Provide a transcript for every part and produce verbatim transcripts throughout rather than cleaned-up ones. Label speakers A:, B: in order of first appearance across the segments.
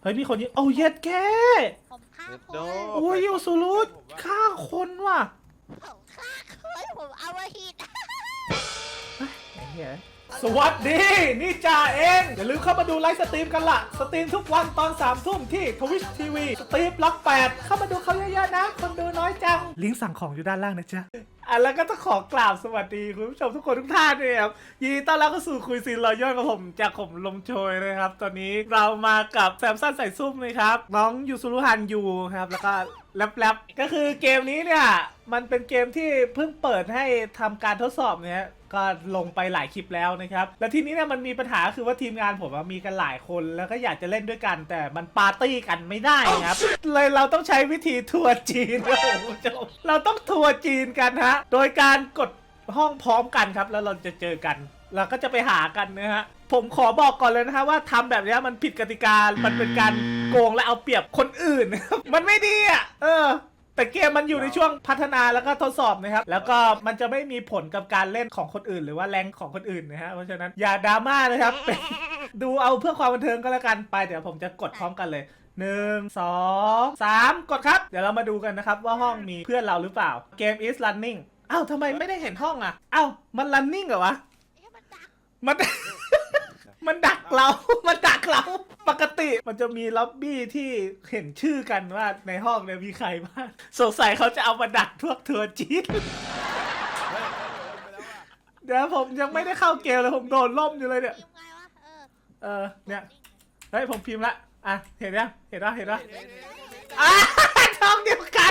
A: ฮ้ยมีคนยิงโอ้เย็ดแค่
B: ผมฆ่าคน
A: โอ้ยยูซูรุฆ่าคนว่ะ
B: ผมฆ่าคนผมเอาไว้หิด
A: ไอ้เหี้ยสวัสดีนี่จ่าเองอย่าลืมเข้ามาดูไลฟ์สตรีมกันละสตรีมทุกวันตอนสามทุ่มที่ Twitch ที วี สตรีมล็อกแปดเข้ามาดูเขาเยอะๆนะคนดูน้อยจังลิงก์สั่งของอยู่ด้านล่างนะจ๊ะอ่ะแล้วก็ต้องขอกราบสวัสดีคุณผู้ชมทุกคนทุกท่านด้วยครับยินดีต้อนรับเข้าสู่คุยซีนรอยย่อยกับผมจากผมลมโชยนะครับตอนนี้เรามากับแซมสันใส่ซุ่มเลยครับน้องยูซูรุฮันยูครับแล้วก็แรปๆก็คือเกมนี้เนี่ยมันเป็นเกมที่เพิ่งเปิดให้ทำการทดสอบเนี่ยก็ลงไปหลายคลิปแล้วนะครับแล้วทีนี้เนี่ยมันมีปัญหาคือว่าทีมงานผมมีกันหลายคนแล้วก็อยากจะเล่นด้วยกันแต่มันปาร์ตี้กันไม่ได้ครับเลยเราต้องใช้วิธีทัวร์จีนครับผมผู้ชมเราต้องทัวร์จีนกันฮะโดยการกดห้องพร้อมกันครับแล้วเราจะเจอกันเราก็จะไปหากันนะฮะผมขอบอกก่อนเลยนะฮะว่าทำแบบนี้มันผิดกติกามันเป็นการโกงและเอาเปรียบคนอื่น มันไม่ดีอ่ะเออแต่เกมมันอยู่ในช่วงพัฒนาแล้วก็ทดสอบนะครับแล้วก็มันจะไม่มีผลกับการเล่นของคนอื่นหรือว่าแรงของคนอื่นนะฮะเพราะฉะนั้นอย่าดราม่านะครับ ดูเอาเพื่อความบันเทิงก็แล้วกันไปเดี๋ยวผมจะกดพร้อมกันเลยหนึ่ง สอง สามกดครับเดี๋ยวเรามาดูกันนะครับว่าห้องมีเพื่อนเราหรือเปล่า Game is running อ้าวทำไมไม่ได้เห็นห้องอ่ะอ้าวมัน running เหรอวะมัน มันดักเรา มันดักเรา ปกติมันจะมีล็อบบี้ที่เห็นชื่อกันว่าในห้องเนี่ยมีใครบ้างสงสัยเขาจะเอามาดักพวกทัวร์จีนเดี๋ยวผมยังไม่ได้เข้าเกมเลยผมโดนล่มอยู่เลยเนี่ย เออ เนี่ย เฮ้ยผมพิมพ์ละ อ่ะ เห็นยังเห็นปะเห็นปะอ่ะท้องเดียวกัน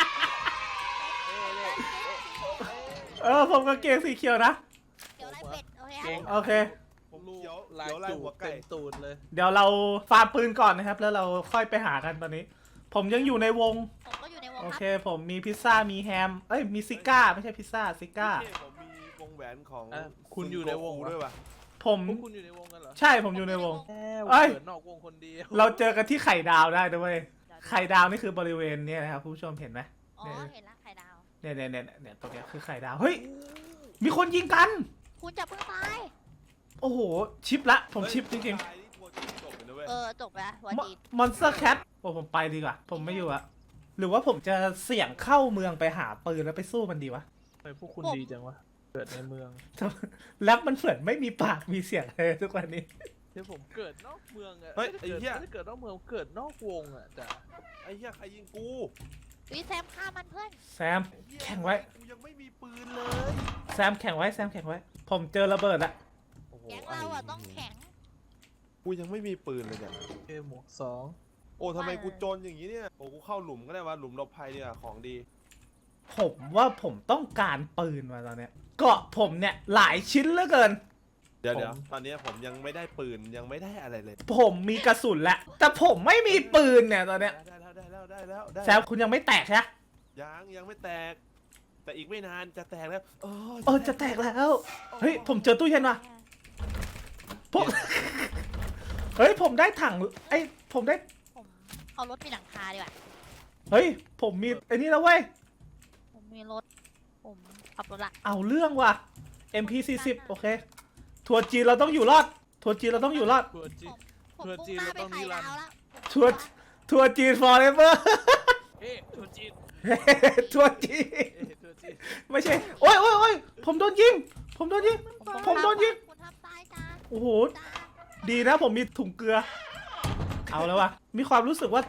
A: เออผมก็เกงสีเขียวนะ
B: เดี๋ยวไล่เป็ดโอเค
A: โอเค
C: ผมรู้ลายจูบเต็มตูดเลย
A: เดี๋ยวเราฟาร์มปืนก่อนนะครับแล้วเราค่อยไปหากันตอนนี้ผมยังอยู่ในวง
B: ผมก็อยู่ในวง
A: โอ
B: ค
A: เครับ ผมมีพิซซ่ามีแฮมเอ้ยมีซิก้าไม่ใช่พิซซ่าซิก้า
C: ผมมีวงแหวนของ
D: อ่ะคุณอยู่ในวง
C: ด้วยป่ะ
A: ผม
D: พวกคุณอยู่ในวงกันเหรอ
A: ใช่ผมอยู่ในวง
D: แค่
A: เอ้ย
D: เกิดนอกวงคนเดียว
A: เราเจอกันที่ไข่ดาวได้ด้วยไข่ดาวนี่คือบริเวณเนี้ยนะครับคุณผู้ชมเห็นไหม
B: อ๋อเห็นละไข่ดาว
A: เนี่ยเนี่ยเนี่ยเนี่ยตรงเนี้ยคือไข่ดาวเฮ้ยมีคนยิงกัน
B: คุณจะเพิ่งตาย
A: โอ้โหชิปละผมชิปจริง
B: เออจบแล้ววันดี
A: ๆมอนสเตอร์แคทโอ้ผมไปดีกว่าผมไม่อยู่อะหรือว่าผมจะเสี่ยงเข้าเมืองไปหาปืนแล้วไปสู้มันดีวะ
D: ทำไมพวกคุณดีจังวะ เกิดในเมือง
A: แล้วมันเหมือนไม่มีปากมีเสียงเลยทุกวันนี้
D: เดี๋ยวผมเกิดนอกเมืองอะ
C: เฮ้ยไอ้เหี้ย
D: ไม่ได้เกิดนอกเมืองเกิดนอกวงอะจ้ะ
C: ไอ้เหี้ยใครยิงกู
B: วิแซมฆ่ามันเพื่อน
A: แซมแข่งไว้
C: กูยังไม่มีปืนเลย
A: แซมแข่งไว้แซมแข่งไว้ ผมเจอระเบิดละ
C: โอ้โห
B: แก๊งเราอ่ะต้องแข็ง
C: กูยังไม่มีปืนเลยเนี่ย
D: เอหมวกสอง
C: โอ้ทำไมกูจนอย่างนี้เนี่ยโอ้กูเข้าหลุมก็ได้วะหลุมหลบภัยเนี่ยของดี
A: ผมว่าผมต้องการปืนมาตอนเนี้ยเกาะผมเนี่ยหลายชิ้นเหลือเกิน
C: เดี๋ยวเดี๋ยวตอนนี้ผมยังไม่ได้ปืนยังไม่ได้อะไรเลย
A: ผมมีกระสุนแล้วแต่ผมไม่มีปืนเนี่ยตอนเนี้ย
C: ได้แล้วได้แล้วได้แล้วได้
A: แซมคุณยังไม่แตกใช่ไหม
C: ยังยังไม่แตก แต่อีกไม่นานจะแตกแล้วโอ้
A: เออจะแตกแล้ว เฮ้ยผมเจอตู้เย็นว่ะผม เฮ้ยผมได้ถังไอ้ผมได้
B: ผมเอารถมีหลังคาดีกว่า
A: เฮ้ยผมมีไอ้นี่แล้วเว้ย
B: ผมมีรถผมขับรถละ
A: เอาเรื่องว่ะ เอ็ม พี สี่สิบ โอเคทัวร์จีนเราต้องอยู่รอดทัวร์จีนเราต้องอยู่รอด
D: ตัวจี
B: ผมผม
D: เพื่อ
B: พุ่ง
D: จีน
B: หน้า
D: เรา
B: ไป
D: ต้อง
B: ไข่
D: นิรัน
B: ดาว
D: ดร์
B: แล้ว
A: ทัวร์ทัวร์จีน forever
D: เอ๊ะตัวจีน
A: ทัวร์จีน
D: เอ๊ะตัวจีน
A: ไม่ใช่โอ้ยโอ้ยโอ้ยผมโดนยิงผมโดนยิง ผมโดนยิง
B: คุณทำตายจ้า
A: โอ้โห
B: จ้า
A: ดีนะผมมีถุงเกลือ เอาแล้ววะมีความรู้สึกว่า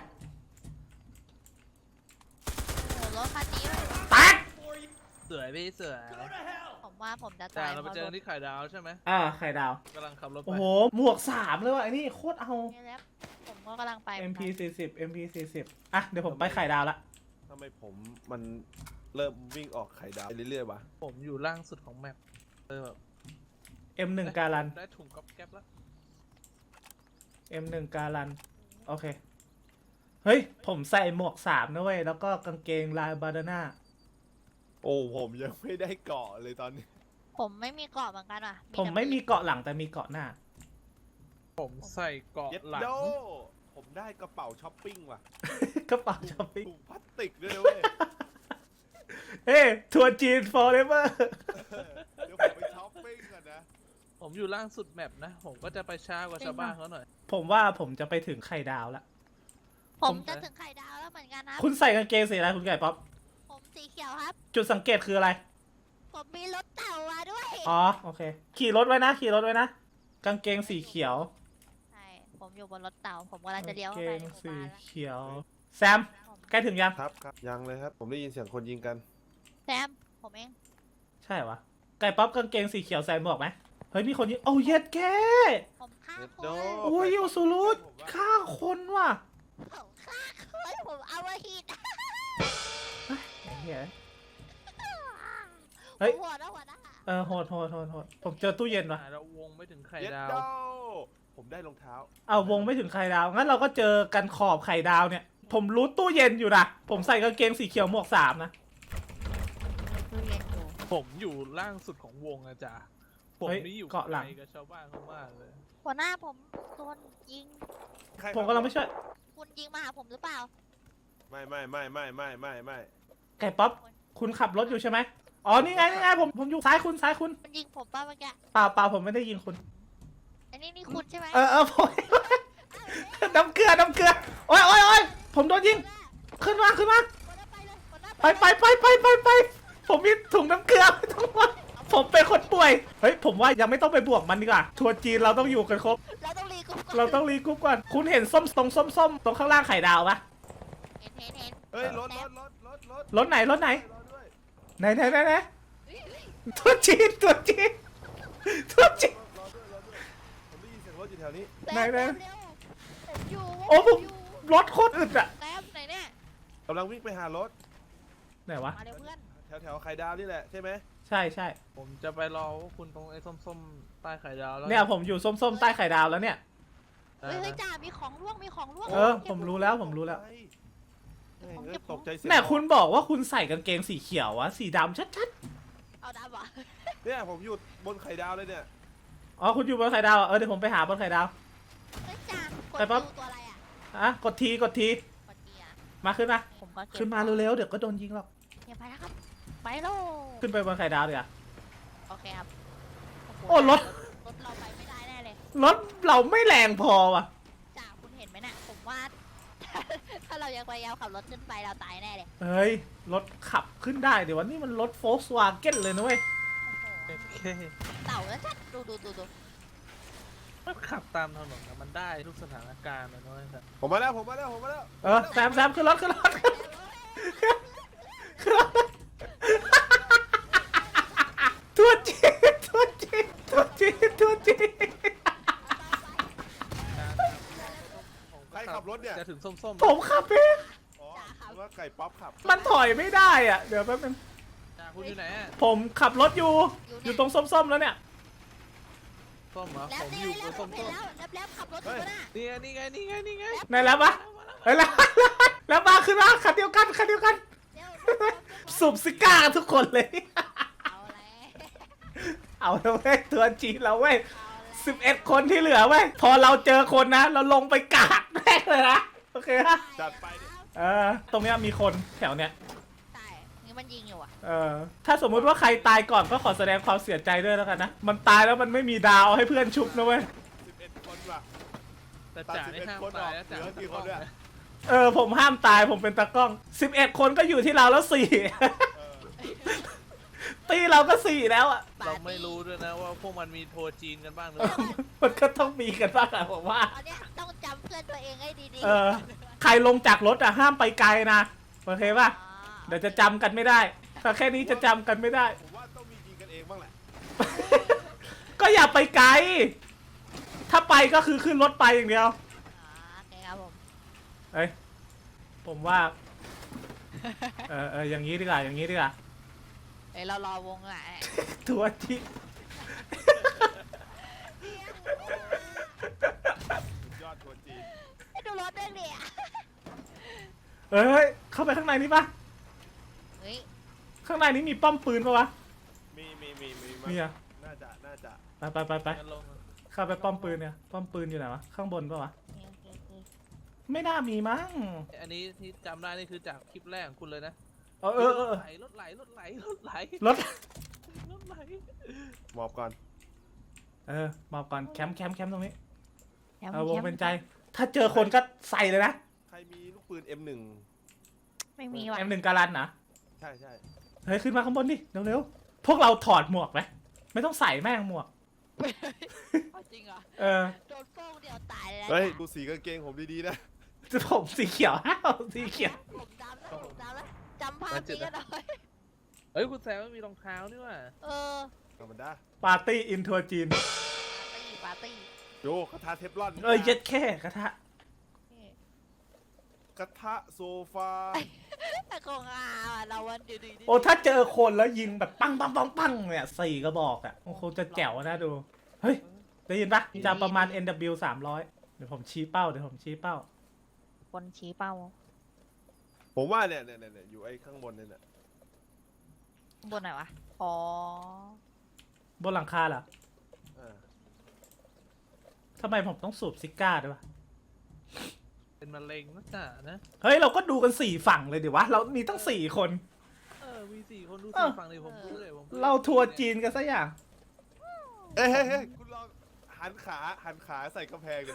B: โอ้รถคันนี้
A: แตก
D: สวยพี่สวย
B: ผมว่าผมจะ
D: แต่
B: ตาย
D: เราไปเจอกันที่ไข่ดาวใช่ไหม
A: อ่าไข่ดาว
D: กำลังขับรถไป
A: โอ้โหหมวกสามเลยว่ะไอ้นี่โคตรเอา
B: นี่แล้วผมก็กำลังไป
A: เอ็ม พี สี่สิบ เอ็ม พี สี่สิบ อ่ะเดี๋ยวผมไปไข่ดาวละ
C: ทำไมผมมันเริ่มวิ่งออกไข่ดาวเรื่อยๆวะ
D: ผมอยู่ล่างสุดของแมปเลยแบบ
A: เอ็ม หนึ่ง การัน
D: ได้ถุงก๊อบแก๊บแล้ว
A: เอ็ม หนึ่ง การันโอเคเฮ้ยผมใส่หมวกสามนะเว้ยแล้วก็กางเกงลายบาดาน่า
C: โอ้ผมยังไม่ได้เกาะเลยตอนนี้
B: ผมไม่มีเกาะเหมือนกันว่ะ
A: ผมไม่มีเกาะหลังแต่มีเกาะหน้า
D: ผมใส่เกราะ
C: เย็ด
D: หลัง
C: โดผมได้กระเป๋าช้อปปิ้งว่ะ
A: กระเป๋าช้อปปิ้ง
C: ถุงพลาสติกด้วยนะเว้ย
A: เฮ้ทัวร์จีน forever
C: เดี๋ยวผมไปช้อปปิ้งก่อนนะ
D: ผมอยู่ล่างสุดแมปนะ ผมก็จะไปช้ากว่าชาวบ้านเขาหน่อย
A: ผมว่าผมจะไปถึงไข่ดาวแล้ว
B: ผ
A: ผม ม
B: จะถึงไข่ดาวแล้วเหมือนกันนะ
A: คุณใส่กางเกงสีอะไรคุณไก่ป๊อป
B: ผมสีเขียวครับ
A: จุดสังเกตคืออะไร
B: ผมมีรถเต่ามาด้วย
A: อ๋อโอเค ขี่รถไว้นะ ขี่รถไว้นะ กางเกงสีเขียว
B: ใช่ ผมอยู่บนรถเต่า ผมกำลังจะเลี้ยว
A: กาง
B: เข้า
A: เก
B: ไป
A: ง
B: ในหมู่
A: สี
B: บ้านแล้ว
A: เขียว แซม ใกล้ถึงยัง
C: ครับครับยังเลยครับผมได้ยินเสียงคนยิงกัน
B: แซม ผมเอง
A: ใช่วะไก่ป๊อปกางเกงสีเขียวแซมบอกไหมเฮ้ยมีคนยิงโอ้เย็ดแก
B: ผมฆ่า
C: เย็ด
B: ค
C: โด
B: น
A: โอ้ยยูสุรุฆ่าคนว่ะ
B: ผมฆ่าคนผมเอามาหิด
A: ไอ้เหี้ย
B: ผ
A: เฮ้ย
B: มหัวนะหัวนะ
A: เออโหดโหดโหดโหดผมเจอตู้เย็นว่ะ
D: เราวงไม่ถึงไข่
C: เย็ด
D: ดาว
C: โดผมได้รองเท้า
A: เอาวงไม่ถึงไข่ดาว งั้นเราก็เจอกันขอบไข่ดาวเนี่ย ผมรู้ตู้เย็นอยู่นะ ผมใส่กางเกงสีเขียวหมวกสามนะ
B: ตู้เย็นอยู่
D: ผมอยู่ล่างสุดของวงอะจ้ะผม
A: เฮ้ย
D: นี่อยู่
A: เกาะหลัง
D: ไกลกับชาวบ้านเขามากเลย
B: หัวหน้าผมโดนยิง
C: ใคร
A: ผมกำลังไม่ช่วย
B: คุณยิงมาหาผมหรือเปล่า
C: ไม่ไม่ไม่ไม่ไม่ไม่ไม่
A: ไก่ป๊อป คุณขับรถอยู่ใช่ไหมอ๋อ นี่ไง นี่ไง ผม ผมอยู่ซ้ายคุณ ซ้ายคุณ
B: มันยิงผมป่ะเมื่อกี้
A: เปล่าเปล่าผมไม่ได้ยิงคุณ
B: อันนี้นี่คุณใช่ไหม
A: เออเออผม น้ำเกลือ น้ำเกลือ โอ้ยโอ้ยโอ้ยผมโดนยิง ขึ้นมา ขึ้นมา
B: หัวหน้าไปเลยหัวหน้า
A: ไปไปไปไปไปไป ผมมีถุงน้ำเกลือไม่ต้องห่วงผมเป็นคนป่วย เฮ้ย ผมว่ายังไม่ต้องไปบวกมันดีกว่า ทัวร์จีนเราต้องอยู่กันครบ
B: เราต้องรีกรุ๊ปก่อน
A: เราต้องรีกรุ๊ปก่อน คุณเห็นส้มตรงส้มส้มๆตรงข้างล่างไข่ดาวปะ
B: เห็นเห็นเห็น
C: เฮ้ยรถรถรถรถรถ
A: รถไหน รถไหน
C: รถด้วย
A: ไหนไหนไหนไหน
B: เฮ้ยเฮ้ย
A: ทัวร์จีนทัวร์จีนทัวร์จีน
C: รถรถด้วยรถด้วยผมได้ยินเสียงรถอยู่แถวนี้
B: แซม
A: ไหนไหน
B: แซมเร็วผมอยู่
A: โอ้ผม
B: อยู่
A: รถโคตรอึดอะ
B: แซมไหนเนี่ย
C: กำลังวิ่งไปหารถ
A: ไหนวะ
B: มาเร็วเพื่อน
C: แถวแถวไข่ดาวนี่แหละใช่ไหม
A: ใช่ใช่
D: ผมจะไปรอพวกคุณตรงไอ้ส้มๆใต้ไข่ดาวแล้ว
A: เนี่ยผมอยู่ส้มๆใต้ไข่ดาวแล้วเนี่ย
D: ได้
B: เฮ้ยเฮ้ย
D: นะ
B: จ่ามีของร่วงมีของร่วง
A: เออ ผมรู้แล้วผมรู้แล้ว
C: เฮ้ยเอ้ยตกใจเสียง
A: แน่คุณบอกว่าคุณใส่กางเกงสีเขียววะสีดำชัด
B: เอาดำเหรอ
C: เนี่ยผมอยู่บนไข่ดาวเลยเนี่ย
A: ๆอ๋อคุณอยู่บนไข่ดาวอะเออเดี๋ยวผมไปหาบนไข่ดาว
B: เฮ้ยจ่ากด
A: ไปปั๊บ
B: ดูตัวอะไรอ่ะ
A: อ่ะกดทีกดที
B: กดเกียร์
A: มาขึ้นมา
B: ผมก็เก็บ
A: ขึ้นมาเร็วๆเดี๋ยวก็โดนยิงหรอก
B: เก็บไปแล้วครับไปโล
A: ขึ้นไปบนไข่ดาวเดี๋ยวา
B: โอเคครับ
A: โอ้รถ
B: รถเราไปไม่ได้แน่เลย
A: รถเราไม่แรงพอว่ะ
B: จ่าคุณเห็นไหมน่ะผมว่า ถ้าเรายังพยายามขับรถขึ้นไปเราตายแน่เลย
A: เฮ้ยรถขับขึ้นได้เดี๋ยววันนี้มันรถโฟล์ s วาเก้นเลยนะเว้ย
B: โอ้โห
D: โอเค
B: เต่าแล้วชัดดูดูดูดู
D: มันขับตามถนนนะมันได้ทุกสถานการณ์เลยนะเว้ยแต่
C: ผมมาแล้วผมมาแล้วผมมาแล้ว
A: เออแซมแซมขึ้นรถขึ้นรถขึ้นรถทัวร์จีนทัวร์จีนทัวร์จีนทัวร์จีน
C: ใครขับรถเนี่ย
D: จะถึงส้ม
A: ผมขับเอง
C: อ๋อผมว่าไก่ป๊อปขับ
A: มันถอยไม่ได้อ่ะ เดี๋ยวแป๊บนึง
D: ๆจ้าคุณอยู่ไหนอะ
A: ผมขับรถอยู่ อยู่ตรงส้มๆแล้วเนี่ย
D: ส้มเหรอ
B: แล้ว
D: ผม
B: เนี่
D: อย ยู่
B: แล้ว
D: บน
B: ผ
D: ส้
B: มเห็น
D: ม
B: แล้วแล้วแล้วขับรถอยู่น่ะ
D: ๆนี่ไงนี่ไงนี่ไงนี่ไง
A: ไหนแล้วปะเฮ้ยแล้วแล้วมาขึ้นมาคันเดียวกันคันเดียวกัน
B: เร็วเร็วเร็วเร็ว
A: สูบซิก้ากันทุกคนเลย
B: เอาแล้ว
A: เอาแล้วเว้ยตัวจีนเราเว้ย
B: เอาแล้ว
A: สิบเอ็ดคนที่เหลือเว้ย พอเราเจอคนนะ เราลงไปกาดแม่งเลยนะ โอเคปะ
C: จัดไปดิ
A: เออ ตรงเนี้ยมีคนแถวเนี้ย
B: ตายนี่มันยิงอยู่อ่ะ
A: เออ ถ้าสมมุติว่าใครตายก่อนก็ขอแสดงความเสียใจด้วยแล้วกันนะ มันตายแล้วมันไม่มีดาวให้เพื่อนชุบนะเว้ย
C: สิบเอ็ดคนว่ะ
D: แต่จ่านี่ห้ามตายนะจ่า
C: เหลือกี่คนเนี่ย
A: เออ ผมห้ามตายผมเป็นตากล้อง สิบเอ็ดคนก็อยู่ที่เราแล้วสี่
C: เออ
A: ตีเราก็สี่แล้วอ่ะ
D: เราไม่รู้ด้วยนะว่าพวกมันมีโทรจีนกันบ้างหรือเปล่า
A: มันก็ต้องมีกันบ้างอะผมว่า
B: ตอนเนี้ยต้องจำเพื่อนตัวเองให้ดีๆ
A: เออ ใครลงจากรถอะห้ามไปไกลนะ โอเคป่ะ
B: อ๋อ
A: เดี๋ยวจะจำกันไม่ได้ ถ้าแค่นี้จะจำกันไม่ได้
C: ผมว่าต้องมียิงกันเองบ้างแหละ
A: ก็อย่าไปไกล ถ้าไปก็คือขึ้นรถไปอย่างเดียว
B: อ๋อโอเคครับผม
A: เอ้ย ผมว่า เออเอออย่างนี้ดีกว่า อย่างนี้ดีกว่า
B: เอ้ยเรารอวงอ่ะ
A: ทัวร์ที่
C: สุดยอดทัวร์จีน
B: ให้ดูรถด้วยเนี่ย
A: เอ้ย เข้าไปข้างในนี้ปะ
B: เฮ้ย
A: ข้างในนี้มีป้อมปืนปะวะ
C: มีมีมีมี
A: มีอะ
C: น่าจะน่าจะ
A: ไปไปไปไป
D: งั้นลง
A: เข้าไปป้อมปืนเนี่ย ป้อมปืนอยู่ไหนวะ ข้างบนปะวะ
B: โอเคโอเคโอเค
A: ไม่น่ามีมั้ง
D: อันนี้ที่จำได้นี่คือจากคลิปแรกของคุณเลยนะ
A: เออเออเออ
D: ไหลรถไหลรถไหลรถไหล
A: รถ
D: รถไหล
C: หมอบก่อน
A: ไปเออบอกก่อนแคมป์แคมป์แคมป์ตรงนี้
B: แคมป์
A: เอาวง
B: แคมป์
A: เป็นใจ ถ้าเจอคนก็ใส่เลยนะ
C: ใครมีลูกปืน เอ็ม หนึ่ง
B: ไม่มีว่ะ
A: เอ็มหนึ่งการันนะ
C: ใช่ใช่
A: เฮ้ยขึ้นมาข้างบนดิเร็วๆพวกเราถอดหมวกไหมไม่ต้องใส่แม่งหมวก
B: เอาจริงเหรอ
A: เออ
B: โดนโป้งเดียวตายเลยนะ
C: เฮ้ย
B: จ๊ะ
C: ดูสีกางเกงผมดีๆนะ
A: จะผมสีเขียว อ้าวสีเขียว
B: ผมจำแล้วผมจำแล้วจำภาพนี้กันหน่อย
D: เฮ้ยคุณแซมไม่มีรองเท้านี่ว่ะ
B: เออ
C: ธรรมดา
A: ปาร์ตี้อินทัวร์จีน
B: ปาร์ตี้ปาร์ตี้
C: โยกระทะเทฟลอน
A: เอ้ยเย็ดแค่กระทะ
B: นี่
C: กระทะโซฟา
B: แต่คงอาว่ะเราวันดีดีๆ
A: โอ้ถ้าเจอคนแล้วยิงแบบปังปังปังปังเนี่ยสี่กระบอกอ่ะโอ้โหจะแจ๋วนะดู เฮ้ย ได้ยินปะจะประมาณ เอ็น ดับเบิลยู สามร้อยเดี๋ยวผมชี้เป้าเดี๋ยวผมชี้เป้า
B: คนชี้เป้า
C: ผมว่าเนี่ยเนี่ยเนี่ยอยู่ไอ้ข้างบนเนี่ยเนี่ย
B: บนไหนวะ อ๋อ
A: บนหลังคาเหรอ
C: อ่า
A: ทำไมผมต้องสูบซิก้าด้วยวะ
D: เป็นมะเร็งนะจ๊ะนะ
A: เฮ้ย เราก็ดูกันสี่ฝั่งเลยดิวะ เรามีตั้งสี่คน
D: เออมีสี่คนดู
A: เอ
D: สี่
A: อ
D: ฝั่งเลยผมพูดเลยผมพูด
A: เราทัวร์จีนกันซะอย่าง
C: เอ้ยเฮ้ยเฮ้ยคุณลองหันขาหันขาใส่กำแพงเลย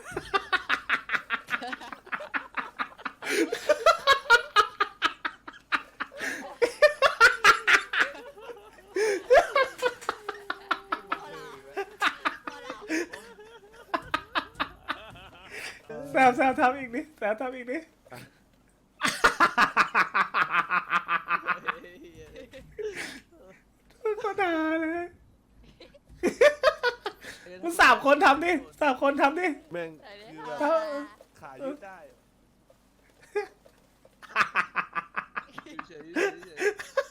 A: แซวแซวทำอีกนิแซวทำอีกนิก็ด่าเลยมันสามคนทำดิสามคนทำดิ
C: แม่งคือแบบ
A: เออ
C: ขายืดได้
D: เฉยๆเฉยๆเฉย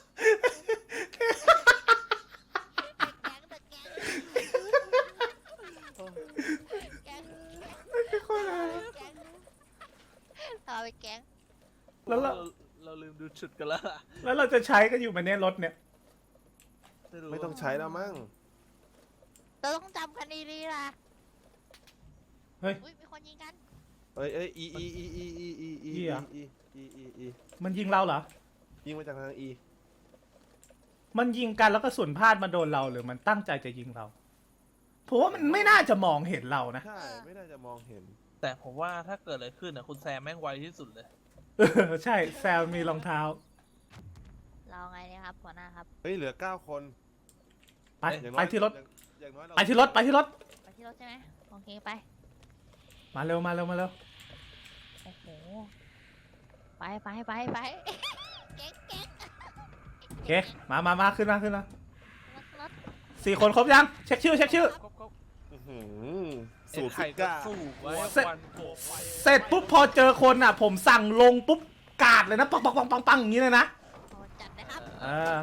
B: แก๊ง
A: ก็ด่า
B: แก๊งเราไปแก๊ง
D: ๆ
A: แล้วเรา
D: เราลืมดูชุดกันแล้วล่ะ
A: แล้วเราจะใช้กันอยู่ไหมเนี่ยรถเนี่ย
D: รู้
C: ไม่ต้องใช้แล้วมั้ง
B: เราต้องจำกันดีๆล่ะ
A: เฮ้ย
B: อุ้ยมีคนยิงกัน
C: เอ้ยเอ้ยอีอีอีอีอีอีอี
A: อีเหรอ
C: อีอีอีอี
A: มันยิงเราเหรอ
C: ยิงมาจากทางอี
A: มันยิงกันแล้วก็ส่วนพลาดมาโดนเราหรือมันตั้งใจจะยิงเราผมว่ามันไม่น่าจะมองเห็นเรานะ
C: ใช่ไม่น่าจะมองเห็น
D: แต่ผมว่าถ้าเกิดอะไรขึ้นนะคุณแซมแม่งไวที่สุดเลย
A: เออใช่แซมมีรองเท้า
B: เราไงเนี่ยครับหัวหน้าครับ
C: เฮ้ยเหลือเก้าคน
A: ไป
C: อย่าง
A: ไป
C: น้อย
A: ที่รถ
C: อย่างอย่างน้อยเรา
A: ไปที่รถไปที่รถ
B: ไปที่รถใช่ไหมโอเคไป
A: มาเร็วมาเร็วมาเร็ว
B: โอ้โห ไปไปไปไปเก๊กเก๊ก
A: โอเคมามามาขึ้นมาขึ้นมาร
B: ถรถ
A: สี่คนครบยังเช็คชื่อเช็คชื่อ
D: ครบครบ
C: อื้อหือสู
D: สู
C: ต
D: ต
C: ร
D: รไข่
C: ซิ
D: ก็
C: ก้า
D: สู้ไว้
A: เสร็จ
D: วันโผล่ไฟ
A: เสร็จปุ๊บพอเจอคนอ่ะ ผมสั่งลงปุ๊บกาดเลยนะปังปังปังปังปังอย่างนี้เลยนะ
B: โอ้จัดนะครับ
A: เออ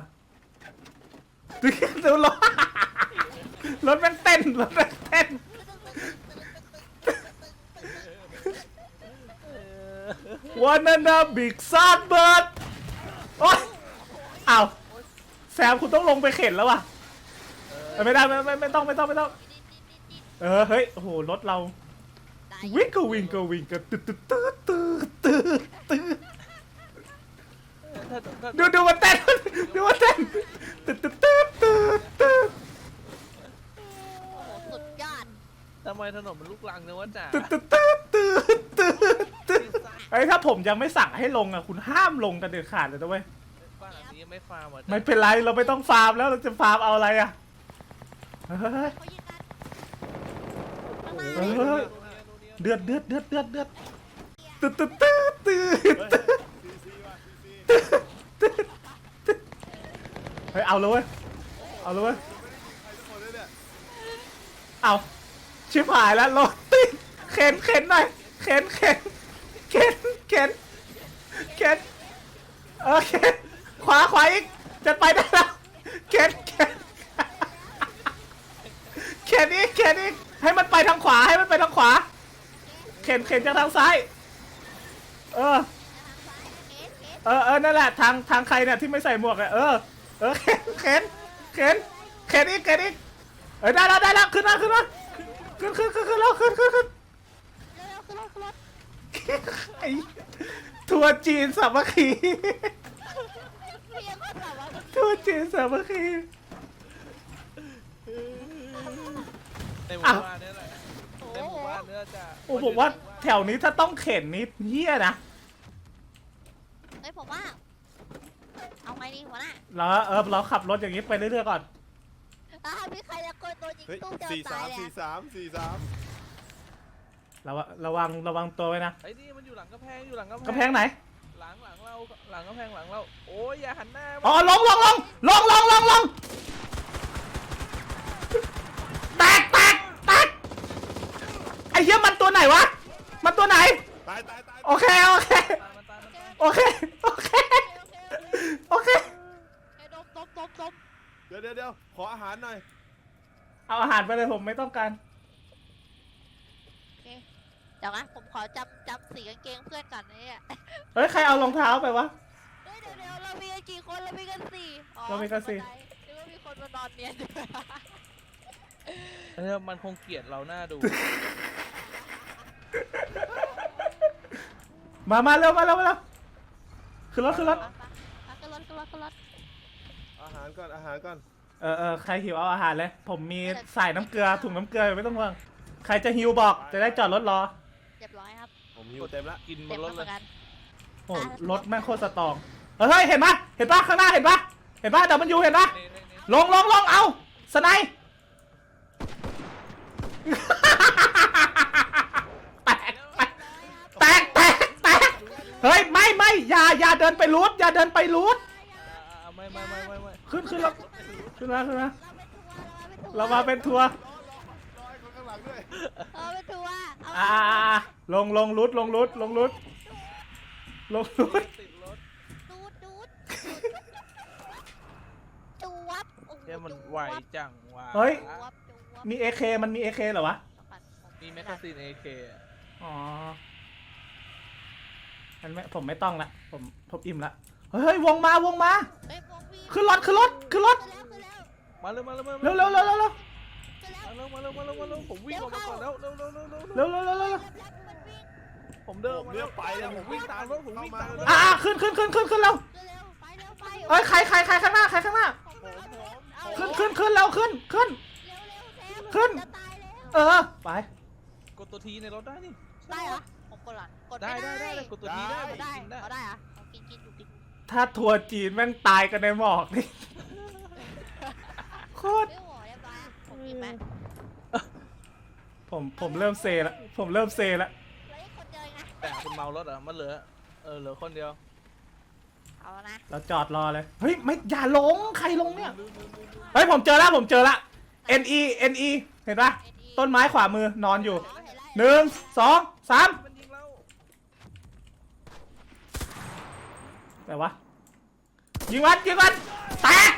A: ดูรถรถแม่งเต้นรถแม่งเต้น วันนั้นนะบิ๊กซันเบิร์ดโอ๊ยอ้าวแซมคุณต้องลงไปเข็นแล้วว่ะเออไม่ได้ไม่ไม่ไม่ต้องไม่ต้องไม่ต้อง เออเฮ้ยโอ้โหรถเรา
B: ได้
A: วิ่งก็วิ่งก็วิ่งก็ตืดตืดตืดตืดตืดตืด
D: ถ้าถ้า
A: ดูดูมันเต้นดูมันเต้นตืดตืดตืดตืดตืด
B: โอ้โหสุดยอด
D: ทำไมถนนมันลุกลังเนี่ยวะจ๋า
A: ตืดตืดตืดตืดตืดตืดไอ้ยถ้าผมยังไม่สั่งให้ลงอ่ะคุณห้ามลงกันเด็ดขาดเลยนะเว้ย
D: บ้านหลังนี้ยังไม่ฟาร์มอ่ะ
A: ไม่เป็นไรเราไม่ต้องฟาร์มแล้วเราจะฟาร์มเอาอะไรอ่ะเฮ้ย
B: เขายิงกันข้างห
A: เอ
B: น้า
A: อ เดือดเดือดเดือดเดือดเดือดตืดตืดตืดตืด
C: เฮ้ยซีซีว่ะซีซี
A: เฮ้ยเอาเลยเว้ยเอาเลยเว้ย
C: ใครทุกคนเลยเนี่ย
A: เอาชิบหายแล้วรถติดเข็นเข็นหน่อยเข็นเข็นเข็นเข็นเข็นเออเข็นขวาขวาอีกจะไปได้แล้วเข็นเข็นเข็นอีกเข็นอีกให้มันไปทางขวาให้มันไปทางขวาเข็นเข็นจากทางซ้ายเออ
B: เอ๊ะเอ๊ะ
A: เออเออนั่นแหละทางทางใครเนี่ยที่ไม่ใส่หมวกเนี่ยเออเออเข็นเข็นเข็นเข็นอีกเข็นอีกเออได้แล้วได้แล้วขึ้นมาขึ้นมาขึ้นขึ้นขึ้นขึ้นแล้วขึ้นขึ้นขึ้น
B: เร็วๆขึ้นรถขึ้นรถ
A: ไอ้ทัวร์จีนสามัคคี
B: เพียงก็แบบว่า
A: ทัวร์จีนสามัคคี
D: ไในหมู่บ้านเนี่ยแหละ
B: โอ้
D: ในห
B: โห
D: มู่บ้านเนี่ยจะ
A: โอ้ผมว่าแถวนี้ถ้าต้องเข็นนี่เฮี้ยนะ
B: เฮ้ยผมว่า เอาไงดีหัวหน้า
A: เราเออเราขับรถอย่างนี้ไปเรื่อยๆก่อน
B: อ่ามีใครจะโกยตัวยิง
C: เฮ้ย
B: ตู้เจอ
C: สี่
B: ตา
C: สาย ม
B: เลย
C: สี่
B: อะ
C: สามสี่สาม
A: ระวังระวังระวังตัวไว้นะ
D: ไอ้นี่มันอยู่หลังกำแพงอยู่หลังกำแพง
A: กำแพงไหน
D: หลังหลังเราหลังกำแพงหลังเราโอ้ยอย่าหันหน้ามา
A: อ๋อลงลงลงลงลงลงลงแตกแตกแตกไอ้เหี้ยมันตัวไหนวะ มันตัวไหน
C: ตายตายตาย
A: โอเคโอเค
D: ตายมันตายมันตาย
A: โอเคโอเค
B: โอเคโอเค
A: โอเค
B: เฮ้ยดมดมดมดม
C: เดี๋ยวเดี๋ยวเดี๋ยวขออาหารหน่อย
A: เอาอาหารไปเลยผมไม่ต้องการ
B: โอเคเดี๋ยวนะผมขอจำจำสีกางเกงเพื่อนก่อนนะเนี่ย
A: เฮ้ยใครเอารองเท้าไปวะ
B: เฮ้ยเดี๋ยวเดี๋ยวเรามีกันกี่คนเรามีกันสี่อ๋อ
A: เรามีกันสี่
B: หรือว่ามีคนมานอนเนียนอยู่
D: เออมันคงเกลียดเราหน้าดู
A: มามาเร็วมาเร็วมาเร็วขึ้นรถขึ้นรถ
B: ไปไปไปขึ้นรถขึ้นรถขึ้นรถ
C: อาหารก่อนอาหารก่อน
A: เออเออใครหิวเอาอาหารเลย ผมมีใส่น้ำเกลือถุงน้ำเกลือไม่ต้องห่วงใครจะหิวบอกจะได้จอดรถรอ
B: เรียบร้อยครับ
C: ผมอยู่เต็มละ
D: กินบ
B: เต็
D: น
B: ม
D: ร
B: แล้ว
D: ถ
B: เห
D: เล
B: มือย นกัน
A: โอ้รถแม่งโคตรสตรองเฮ้ยเห็นปะเห็นปะข้างหน้าเห็นปะเห็นปะแต่มันอยู่เห็นปะ
D: นี่นี่นี่
A: ลงลงลงเอาสไนป์แตกแตกแตกแตกเฮ้ยไม่ไม่อย่าอย่าเดินไปรูทอย่าเดินไปรูท
D: อ่าไม่ไม่ไม่ไม่ไม่
A: ขึ้นขึ้นแล้วขึ้นมาขึ้นมา
B: เราเป็นทัวร์
A: เรามาเป็นทัวร์
C: รอให้คนข้างหลังด้วย
B: เราเป็นทัวร์เอา
A: อ่าลงลงรูทลงรูทลงรูทลงรูท
D: ติดรถ
B: ดูดดูดจูวับโอ้โห
D: เนี่ยมัน
B: จู
D: ไว
B: วับ
D: จังว่ะ
A: เฮ้ย
B: จูวับจูวับ
A: มี เอ เค มันมี เอ เค เหรอวะ
D: มีแมกกาซีนเอเค
A: อ๋อมันไม่ผมไม่ต้องละผมผมอิ่มละเฮ้ยวงมาวงมา
B: เฮ้ยพวกพี่
A: ขึ้นรถขึ้นรถขึ้นรถ
B: ขึ้นแล้วขึ้นแล้ว
D: มาเร็วมาเร็วมา
A: เร็วเร็วเร็วเร็วเร็ว
B: ขึ้นแล้ว
D: มาเร็วมาเร็วมาเร็วมาเร็วผมวิ่งออกมาก่อนแล้วเร็วเร็วเร็วเร็ว
A: เร็วเร็วเร็วเร็ว
B: แลบแลบมันวิ่ง
D: ผมเดิน
C: ผมเนี่ยไปเลย
D: ผมวิ่งตามรถผมวิ่งตามรถ
A: อ่าขึ้นขึ้นขึ้นขึ้นขึ้นเร็ว
B: เร็วๆไปเร็วไป
A: เอ้ยใครใครใครข้างหน้าใครข้างหน้า
B: ผมผมเอา
A: ขึ้นขึ้นขึ้นเร็วขึ้นขึ้น
B: เร็วเร็วเซฟ
A: ขึ้น
B: จะตายแล้ว
A: เออไป
D: กดตัวทีในรถได้นี่
B: ได้เหรอผมกดหลังกด
D: ได้
B: ไม่
D: ได้
B: ได้
D: ได้กดตัวทีได้
B: เอาได้
D: กินได้
B: เอาได้เหรอะเอากินกินอยู่กินอยู่
A: ถ้าทัวร์จีนแม่งตายกันในหมอกนี่โคตร
B: เฮ้ยโหเรียบร้อยอะผมกินไหม
A: ผมผมเริ่มเซละผมเริ่มเซละ
B: แล้วอีกคนเดียวเองนะ
D: แต่คุณเมารถเหรอ่ะมันเหลือเออเหลือคนเดียว
B: เอานะ
A: เราจอดรอเลยเฮ้ยไม่อย่าลงใครลงเนี่ยเฮ้ยผมเจอแล้วผมเจอละ N E N E เห็นปะต้นไม้ขวามือนอนอยู่
B: เอาเห็นแล้ว
A: หนึ่งสองสาม
D: มันยิงเรา
A: แต่วะยิงวันยิงวันแตก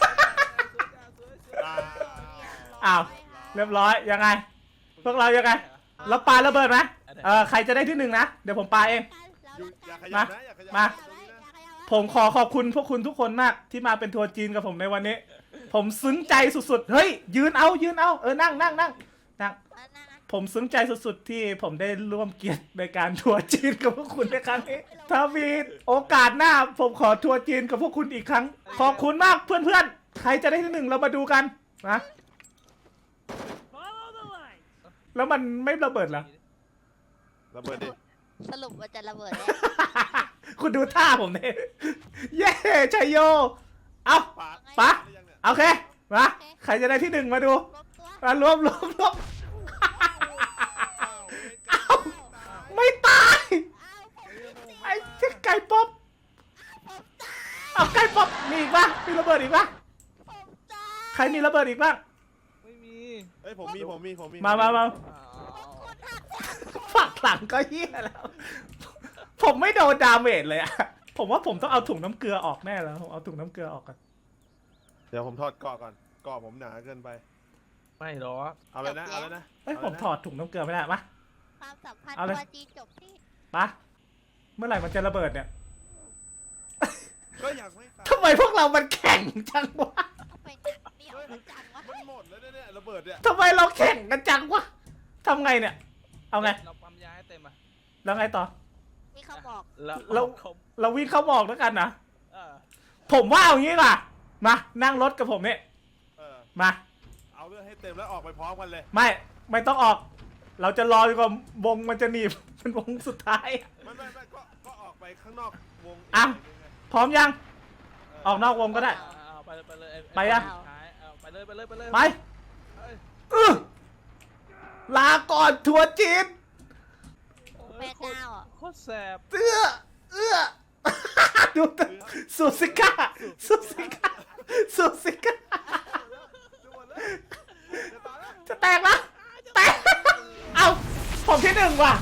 C: ตาย
A: อ้าว เรียบร้อยยังไง พวกเรายังไงเราปาระเบิดไหมเออใครจะได้ที่หนึ่งนะเดี๋ยวผมปาเอง
C: อยู่อย่าขยั
A: มา
C: บนะอย่าขยับ
A: มา
C: ตรงนี้นะ
A: ผมขอขอบคุณพวกคุณทุกคนมากที่มาเป็นทัวร์จีนกับผมในวันนี้ ผมซึ้งใจสุดๆเฮ้ยยืนเอายืนเอาเออนั่งนั่งนั่งนั่งผมซึ้งใจสุดๆที่ผมได้ร่วมเกียรติในการทัวร์จีนกับพวกคุณในครั้งนี้ถ้ามีโอกาสหน้าผมขอทัวร์จีนกับพวกคุณอีกครั้ง ขอบคุณมากเพื่อนๆใครจะได้ที่หนึ่งเรามาดูกันนะแล้วมันไม่ระเบิดเหรอ
C: ระเบิดดิ
B: สรุปว่าจะระเบิดแล้ว
A: คุณดูท่าผมเนี่ยเย้ชัยโย เอา
C: ปาด
A: ปะ
C: หรือยังเนี่ย
A: โอเค มา ใครจะได้ที่หนึ่งมาดู
B: รวมตัว
A: มารวมรวมรวม
C: อ้าว
A: เอาไม่ตาย
B: อ้าวผม
A: ไอ้เจ๊ไก่ป๊อป
B: ผมตาย
A: เอาไก่ป๊อปมีอีกปะมีระเบิดอีกปะ
B: ผมตาย
A: ใครมีระเบิดอีกบ้าง
D: ไม่มี
C: เอ้ยผมมีผมมีผมมี
A: มามามา
D: อ้าว
B: คนหัก
A: ฝักหลังก็เฮี้ยแล้ว ผมไม่โดนดาเมจเลยอะผมว่าผมต้องเอาถุงน้ำเกลือออกแน่แล้วผมเอาถุงน้ำเกลือออกก่อน
C: เดี๋ยวผมถอดเกาะก่อนเกาะผมหนาเกินไป
D: ไม่หรอก
C: เอาเลยนะเอาเลยนะ
A: เอ้ย
C: า
A: ผม
C: ลนะ
A: ถอดถุงน้ำเกลือไม่ได้ปะ
B: ความสัมพันธ์
A: เอาเลย
B: ตัวจีนจบที่
A: ปะเมื่อไหร่มันจะระเบิดเนี่ย
C: ก็อยากไม่ตาย
A: ทำไมพวกเรามันแข่งจังวะ
B: เอาไปจังเหนียวไปจังวะ
C: มันหมดแล้วเนี่ยเนี่ยระเบิดเนี่ย
A: ทำไมเราแข่งกันจังวะทำไงเนี่ย เอาไง
D: เราปั๊มยาให้เต็มอ่ะ
A: แล้วไงต่อ
B: มีเขาบอก
D: แล้ว
A: เรา
D: คม
A: เราวิ่งเข้าหมอกแล้วกันนะ
D: เออ
A: ผมว่าเอางี้ล่ะ มานั่งรถกับผมเนี่ย
C: เออ
A: มา
C: เอาเรื่องให้เต็มแล้วออกไปพร้อมกันเลย
A: ไม่ไม่ต้องออก เราจะรอจนกว่าวงมันจะหนีบ เป็นวงสุดท้าย
C: ไม่ไม่ไม่ก็ก็ออกไปข้างนอกวง
A: อ่ะ
C: เงไง
A: พร้อมยัง ออกนอกวงก็ได้
D: เอาเอาไปเลยไปเลยอ้
A: ไปอะ
D: สุดท้ายเอาไปเลยไปเลยไปเลย
A: ไป
D: เอ้ย
A: อื้อลาก่อนทัวร์จีน
B: แม่เจ้าอ่ะ
D: โคตรแสบ
A: เอื้อเอื้อ ดูแต่ซูซิก้าซูซิก้าซูซิก้า
C: จะหมดแล้วจะตายแล้ว
A: จะแตกแล้วแตก เอาผมที่หนึ่งว่ะ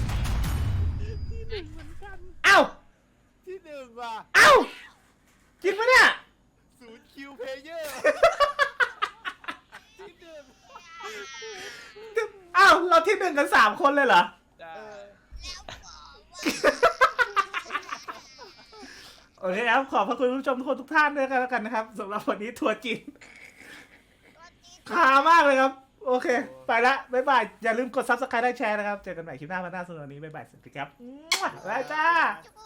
A: เอ้า
C: ที่หนึ่งว่ะ
A: เอ้า จริงปะเนี่ย
C: ศูนย์คิวเพลเยอร์ที่หนึ่ง
A: เอ้า เราที่หนึ่งกันสามคนเลยเหรอ
D: จ้า
C: เออ
A: โอเคครับ ขอบพระคุณผู้ชมทุกคนทุกท่านด้วยกันแล้วกันนะครับสำหรับวันนี้ทัวร์จีนคามากเลยครับ โอเค ไปละ บ๊ายบาย อย่าลืมกดซับสไครต์ได้แชร์นะครับ เจอกันใหม่คลิปหน้าวันหน้าสำหรับวันนี้ บ๊ายบาย สวัสดีครับบ๊ายบายจ้า
B: จุ๊บ